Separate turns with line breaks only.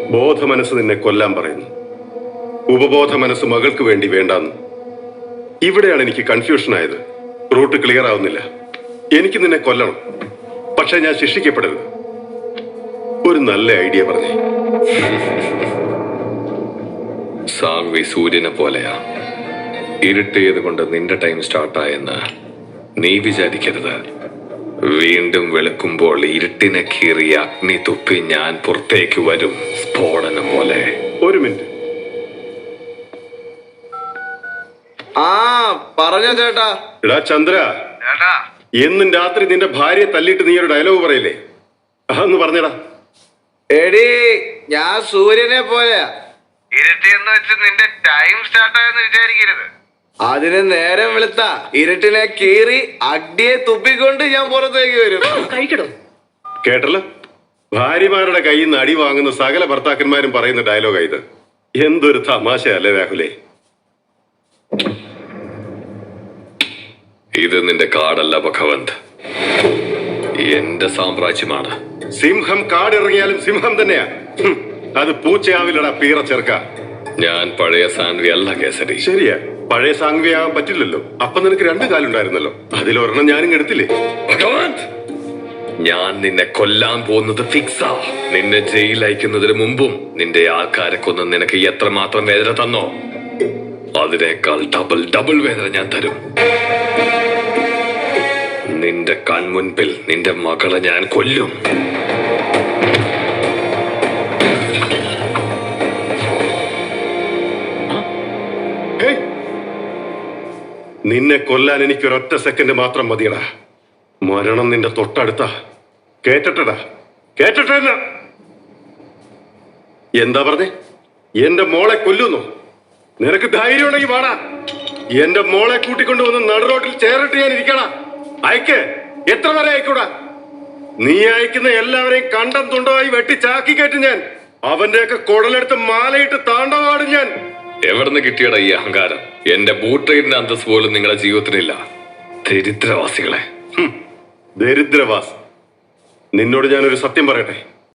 ബോധ മനസ്സ് നിന്നെ കൊല്ലാൻ പറയുന്നു, ഉപബോധ മനസ്സ് മകൾക്ക് വേണ്ടി വേണ്ടാന്ന്. ഇവിടെയാണ് എനിക്ക് കൺഫ്യൂഷൻ ആയത്. റൂട്ട് ക്ലിയർ ആവുന്നില്ല. എനിക്ക് നിന്നെ കൊല്ലണം, പക്ഷെ ഞാൻ ശിക്ഷിക്കപ്പെടരുത്. ഒരു നല്ല ഐഡിയ പറഞ്ഞേ.
സാങ്വി സൂര്യനെ പോലെയാ. ഇരുട്ടിയത് കൊണ്ട് നിന്റെ ടൈം സ്റ്റാർട്ടായെന്ന് നീ വിചാരിക്കരുത്. വീണ്ടും വെളുക്കുമ്പോൾ ഇരുട്ടിനെ കീറി അഗ്നി തുപ്പി ഞാൻ പുറത്തേക്ക് വരും, സ്ഫോടനം പോലെ.
ഒരു മിനിറ്റ്.
പറഞ്ഞോ ചേട്ടാ.
എടാ ചന്ദ്ര, എന്നും രാത്രി നിന്റെ ഭാര്യയെ തല്ലിയിട്ട് നീ ഒരു ഡയലോഗ് പറയില്ലേ? അതൊന്ന് പറഞ്ഞടാ.
എടി, ഞാൻ സൂര്യനെ പോലെയാ. ഇരുട്ടിയെന്ന് വെച്ച് നിന്റെ ടൈം സ്റ്റാർട്ടായെന്ന് വിചാരിക്കരുത്. അതിന് നേരം വെളുത്ത ഇരുട്ടിനെ കീറി അഗ്നിയെ തുപ്പിക്കൊണ്ട് ഞാൻ പുറത്തേക്ക് വരും.
കഴിക്കടോ.
കേട്ടല്ലോ, ഭാര്യമാരുടെ കയ്യിൽ നിന്ന് അടി വാങ്ങുന്ന സകല ഭർത്താക്കന്മാരും പറയുന്ന ഡയലോഗാ ഇത്. എന്തൊരു തമാശയല്ലേ രാഹുലേ?
ഇത് നിന്റെ കാടല്ല ഭഗവന്ത്, എന്റെ സാമ്രാജ്യമാണ്.
സിംഹം കാടിറങ്ങിയാലും സിംഹം തന്നെയാ. അത് പൂച്ചയാവില്ലടാ പീറ ചെറുക്ക.
ഞാൻ പഴയ സാൻവി അല്ല കേസരി.
ശരിയാ, പഴയ സാങ്വിയാകാൻ പറ്റില്ലല്ലോ. അപ്പൊ നിനക്ക് 2 കാലുണ്ടായിരുന്നല്ലോ, അതിലൊരെണ്ണം ഞാനും എടുത്തില്ലേ?
ഭഗവന്ത്, ഞാൻ നിന്നെ കൊല്ലാൻ പോകുന്നത് ഫിക്സാ. നിന്നെ ജയിൽ അയക്കുന്നതിന് മുമ്പും നിന്റെ ആൾക്കാരെ കൊന്ന് നിനക്ക് എത്രമാത്രം വേദന തന്നോ, അതിനേക്കാൾ ഡബിൾ വേദന ഞാൻ തരും. നിന്റെ കൺമുൻപിൽ നിന്റെ മകളെ ഞാൻ കൊല്ലും.
നിന്നെ കൊല്ലാൻ എനിക്ക് ഒരൊറ്റ സെക്കൻഡ് മാത്രം മതിയടാ. മരണം നിന്റെ തൊട്ടടുത്ത. കേട്ടടാ, കേട്ടട്ടെ. എന്താ പറഞ്ഞേ? എന്റെ മോളെ കൊല്ലുന്നു? നിനക്ക് ധൈര്യം ഉണ്ടെങ്കിൽ വാടാ. എന്റെ മോളെ കൂട്ടിക്കൊണ്ടുവന്ന് നടുറോട്ടിൽ ചേറിട്ട് ഞാൻ ഇരിക്കണ. അയക്ക്, എത്ര വരെ അയക്കൂടാ? നീ അയക്കുന്ന എല്ലാവരെയും കണ്ടം തുണ്ടമായി വെട്ടി ചാക്കി കയറ്റും ഞാൻ. അവന്റെയൊക്കെ കുടലെടുത്ത് മാലയിട്ട് താണ്ടവാടും ഞാൻ.
എവിടുന്ന് കിട്ടിയടാ ഈ അഹങ്കാരം? എന്റെ ബൂട്ട്രൈഡിന്റെ അന്തസ് പോലും നിങ്ങളുടെ ജീവിതത്തിലില്ല. ദരിദ്രവാസികളെ.
ദരിദ്രവാസ്. നിന്നോട് ഞാനൊരു സത്യം പറയട്ടെ.